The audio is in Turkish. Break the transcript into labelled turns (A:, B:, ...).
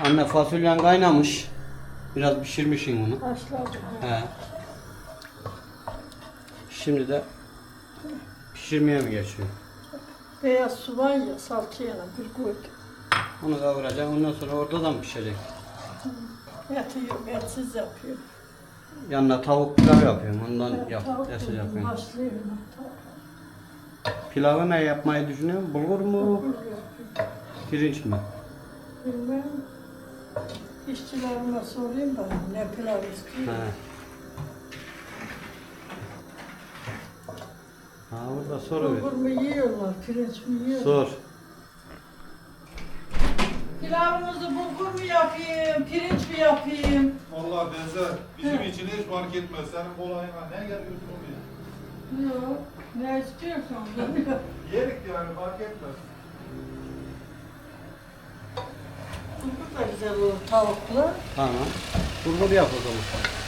A: Anne fasulyen kaynamış. Biraz pişirmişsin bunu.
B: Haşladım.
A: He. Şimdi de pişirmeye mi geçiyor?
B: Beyaz su var ya salçayla bir koydum.
A: Onu kavuracağım. Ondan sonra orada da mı pişecek?
B: Eti yok, etsiz yapıyorum.
A: Yanına tavuk pilav yapıyorum. Ondan
B: Tavuk
A: etsiz
B: koydum,
A: yapıyorum.
B: haşlıyorum.
A: Pilavı ne yapmayı düşünüyorum? Bulgur mu?
B: Tavuk yapıyorum.
A: Pirinç mi?
B: Bilmem. İşçilerime sorayım da ne pilav istiyor.
A: He. Ha burada soru ver.
B: Bulgur mu yiyorlar, pirinç mi yiyorlar?
A: Sor.
B: Pilavımızı bulgur mu yapayım, pirinç mi yapayım?
C: Vallahi benzer. Bizim için hiç fark etmez. Senin kolayına ne geliyorsun oraya?
B: Yok, ne istiyorsan.
C: Yerik yani fark etmez.
B: Bulgur da güzel olur tavukla.
A: Tamam. Bulgur yap o zaman.